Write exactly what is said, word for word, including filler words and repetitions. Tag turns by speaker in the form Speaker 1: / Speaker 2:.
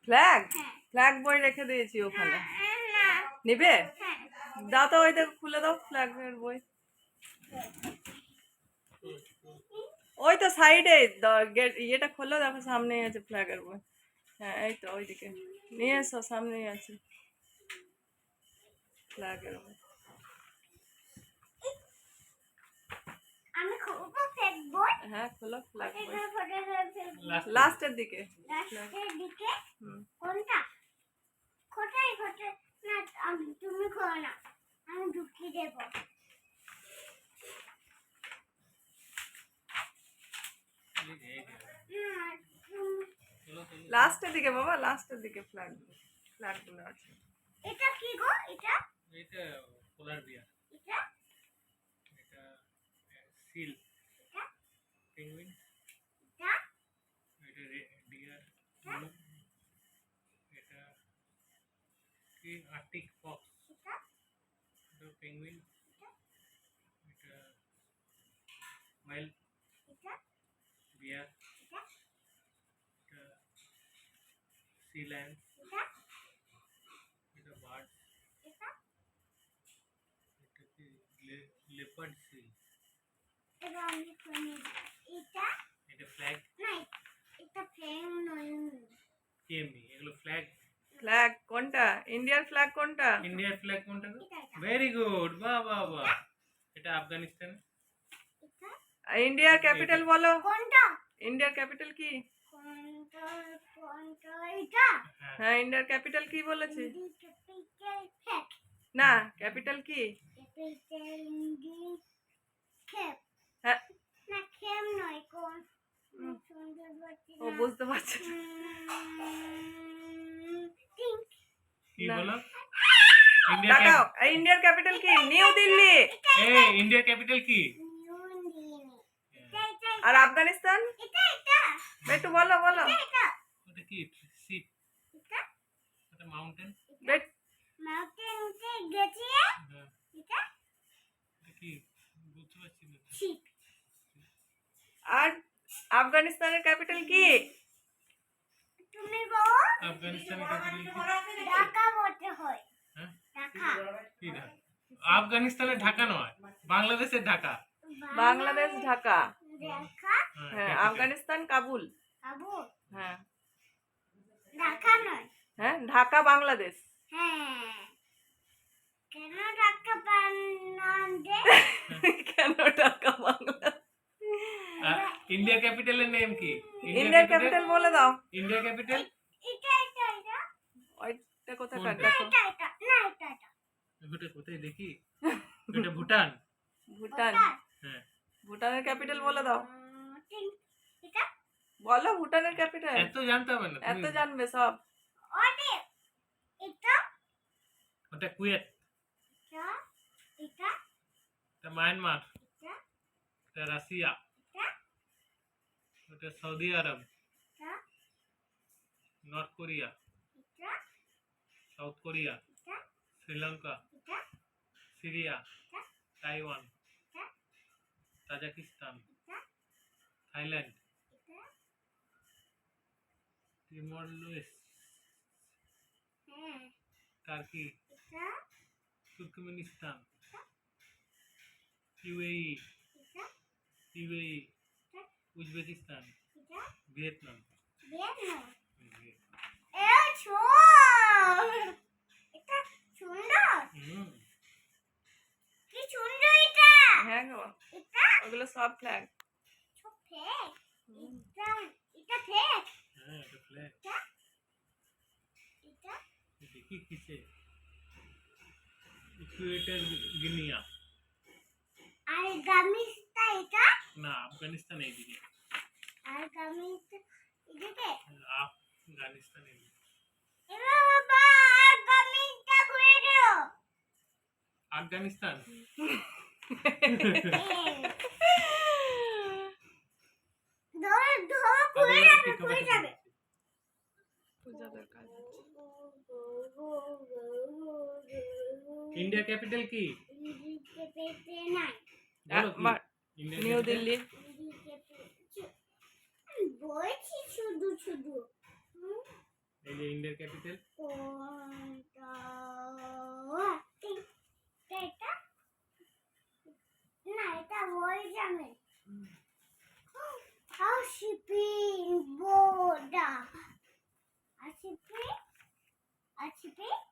Speaker 1: Flag
Speaker 2: হ্যাঁ।
Speaker 1: Flag বই রেখে দিয়েছি ওখানে,
Speaker 2: না
Speaker 1: নিবে?
Speaker 2: হ্যাঁ
Speaker 1: দাও তো, ওই দেখো খুলে দাও ফ্ল্যাগের বই। ওই তো সাইডে গেট ইয়েটা খোলো, দেখো সামনেই আছে ফ্ল্যাগের বই। হ্যাঁ এই তো ওইদিকে নিয়ে এসো, সামনেই আছে ফ্ল্যাগের বই।
Speaker 2: আমি খুলবো ফেকবই।
Speaker 1: হ্যাঁ খোলো ফ্ল্যাগ বই,
Speaker 2: এটা ফটো
Speaker 1: লাস্টের দিকে।
Speaker 2: লাস্টের দিকে
Speaker 1: হুম।
Speaker 2: কোনটা কোথায় কোথায় না আমি তুমি খোলো না, আমি ঢুকিয়ে দেব।
Speaker 1: লাস্টের দিকে বাবা, লাস্টের দিকে ফ্ল্যাগ ফ্ল্যাগ গুলো আছে।
Speaker 2: এটা কি গো? এটা
Speaker 3: এটা পোলার বিয়ার,
Speaker 2: এটা
Speaker 3: এটা সিল,
Speaker 2: এটা
Speaker 3: পেঙ্গুইন,
Speaker 2: এটা
Speaker 3: এটা ডিয়ার, এটা কি আর্টিক ফক্স,
Speaker 2: এটা
Speaker 3: এটা পেঙ্গুইন, এটা ওয়েল
Speaker 2: এটা
Speaker 3: বিয়ার,
Speaker 2: এটা
Speaker 3: এটা সি লায়ন,
Speaker 2: এটা
Speaker 3: এটা বার্ড,
Speaker 2: এটা
Speaker 3: এটা কি লেপার্ড সিল,
Speaker 2: এবার আমি খুলে এটা
Speaker 3: এটা ফ্ল্যাগ
Speaker 2: না, এটা ফ্রেম নয়।
Speaker 3: কেএমই, এগুলো ফ্ল্যাগ।
Speaker 1: ফ্ল্যাগ কোনটা? ইন্ডিয়ার ফ্ল্যাগ কোনটা?
Speaker 3: ইন্ডিয়ার ফ্ল্যাগ কোনটা গো?
Speaker 2: এটা এটা
Speaker 3: ভেরি গুড, বাহ বাহ বাহ। এটা আফগানিস্তান।
Speaker 2: এটা
Speaker 1: ইন্ডিয়ার ক্যাপিটাল বলো।
Speaker 2: কোনটা
Speaker 1: ইন্ডিয়ার ক্যাপিটাল কি?
Speaker 2: কোনটা কোনটা এটা
Speaker 3: হ্যাঁ,
Speaker 1: হ্যাঁ ইন্ডিয়ার ক্যাপিটাল কি বলেছি?
Speaker 2: ক্যাপিটাল ফ্যাক
Speaker 1: না ক্যাপিটাল কি?
Speaker 2: ক্যাপিটাল ইন্ডি ক্যাপ
Speaker 1: হ্যাঁ
Speaker 2: না ক্যাপ নয় কোন
Speaker 1: হুম।
Speaker 2: সুন্দর বাচ্চা
Speaker 1: ও বুঝতে পারছি না।
Speaker 2: থিংক
Speaker 3: কি
Speaker 1: না।
Speaker 3: বলো? ইন্ডিয়া
Speaker 1: তাকাও, এই ইন্ডিয়ার ক্যাপিটাল কি? নিউ দিল্লি।
Speaker 3: এই ইন্ডিয়া ক্যাপিটাল কি?
Speaker 2: এটা এটা
Speaker 1: আর আফগানিস্তান?
Speaker 2: এটা এটা
Speaker 1: একটু বলো বলো।
Speaker 2: এটা
Speaker 3: ওটা কি? সি,
Speaker 2: এটা
Speaker 3: ওটা মাউন্টেন।
Speaker 1: বেট
Speaker 2: মাউন্টেন উঠে গেছে।
Speaker 3: হ্যাঁ,
Speaker 2: এটা
Speaker 3: এটা কি? বুঝতে পারছি না।
Speaker 2: শিপ।
Speaker 1: আর আফগানিস্তানের ক্যাপিটাল কি?
Speaker 2: তুমি বলো
Speaker 3: আফগানিস্তানের ক্যাপিটাল কি?
Speaker 2: ঢাকা বলতে হয়।
Speaker 3: হ্যাঁ,
Speaker 2: ঢাকা
Speaker 3: কি ঢাকা? আফগানিস্তানের ঢাকা নয়, বাংলাদেশের ঢাকা।
Speaker 1: বাংলাদেশ ঢাকা।
Speaker 2: ঢাকা
Speaker 1: হ্যাঁ
Speaker 3: capital।
Speaker 1: আফগানিস্তান কাবুল।
Speaker 2: কাবুল
Speaker 1: হ্যাঁ
Speaker 2: ঢাকা নয়।
Speaker 1: হ্যাঁ ঢাকা বাংলাদেশ।
Speaker 2: হ্যাঁ কেন ঢাকা বানাতে?
Speaker 1: কেন ঢাকা বাংলাদেশ?
Speaker 3: আর ইন্ডিয়া ক্যাপিটালের নেম কি?
Speaker 1: ইন্ডিয়ার ক্যাপিটাল বলে দাও।
Speaker 3: ইন্ডিয়া ক্যাপিটাল
Speaker 2: এটা এটা এটা
Speaker 1: ওইটা কোথায়
Speaker 3: কোনটা?
Speaker 1: দেখো।
Speaker 2: এটা এটা না এটা এটা
Speaker 3: ওটা কোথায় দেখি? এটা ভুটান।
Speaker 1: ভুটান।
Speaker 3: হ্যাঁ,
Speaker 1: ভুটানের ক্যাপিটাল বলে দাও।
Speaker 2: উম, তিন- এটা
Speaker 1: বলো ভুটানের ক্যাপিটাল।
Speaker 3: এত জানতে হবে না
Speaker 1: এত
Speaker 3: তুমি।
Speaker 1: জানবে সব।
Speaker 2: ওটে এটা
Speaker 3: ওটা কুয়েত,
Speaker 2: এটা এটা
Speaker 3: এটা মায়ানমার,
Speaker 2: এটা
Speaker 3: এটা রাশিয়া,
Speaker 2: এটা
Speaker 3: ওটা সৌদি আরব,
Speaker 2: এটা
Speaker 3: নর্থ কোরিয়া,
Speaker 2: এটা
Speaker 3: সাউথ কোরিয়া,
Speaker 2: এটা
Speaker 3: শ্রীলঙ্কা,
Speaker 2: এটা
Speaker 3: সিরিয়া,
Speaker 2: এটা
Speaker 3: তাইওয়ান,
Speaker 2: এটা
Speaker 3: তাজিকিস্তান,
Speaker 2: এটা
Speaker 3: থাইল্যান্ড,
Speaker 2: এটা
Speaker 3: তিমর লুইস,
Speaker 2: হ্যাঁ
Speaker 3: টার্কি,
Speaker 2: এটা
Speaker 3: তুর্কমেনিস্তান, ইউএই,
Speaker 2: এটা
Speaker 3: ইউএই,
Speaker 2: এটা
Speaker 3: উজবেকিস্তান,
Speaker 2: এটা
Speaker 3: ভিয়েতনাম।
Speaker 2: ভিয়েতনাম।
Speaker 3: ভিয়েতনাম।
Speaker 2: এ ছোট এটা সুন্দর,
Speaker 3: হুম,
Speaker 2: কি সুন্দর এটা।
Speaker 1: হ্যাঁ গো
Speaker 2: এটা
Speaker 1: ওগুলো সব ফ্ল্যাগ।
Speaker 2: ছোট ফেক এটা এটা ফেক
Speaker 3: হ্যাঁ, এটা ফ্ল্যাগ।
Speaker 2: এটা এটা
Speaker 3: দেখি কিসে? Ecuador Guinea.
Speaker 2: আর গামিস্তা এটা
Speaker 3: না, আফগানিস্তান এইদিকে।
Speaker 2: আর গামিস্তা এদিকে।
Speaker 3: আফগানিস্তান এইদিকে।
Speaker 2: এবার বাবা আর গামিস্তা ঘুরে দাও।
Speaker 3: আফগানিস্তান।
Speaker 2: ধরো ধরো ঘুরে যাবে ঘুরে যাবে।
Speaker 1: পূজাদের কাজ হচ্ছে।
Speaker 3: ইন্ডিয়া ক্যাপিটাল কি?
Speaker 2: এদিকে পেতে নাই।
Speaker 3: বলো কি?
Speaker 1: মা-
Speaker 3: ইন্ডিয়া
Speaker 1: নিউ
Speaker 3: capital?
Speaker 1: দিল্লি।
Speaker 2: এদিকে পেতে- আমি বলছি শুধু শুধু হুম,
Speaker 3: এই যে ইন্ডিয়ার ক্যাপিটাল।
Speaker 2: কোনটা এটা না এটা ওই জানে হাউসিপিং বোর্ডা হাউসিপিং হাউসিপিং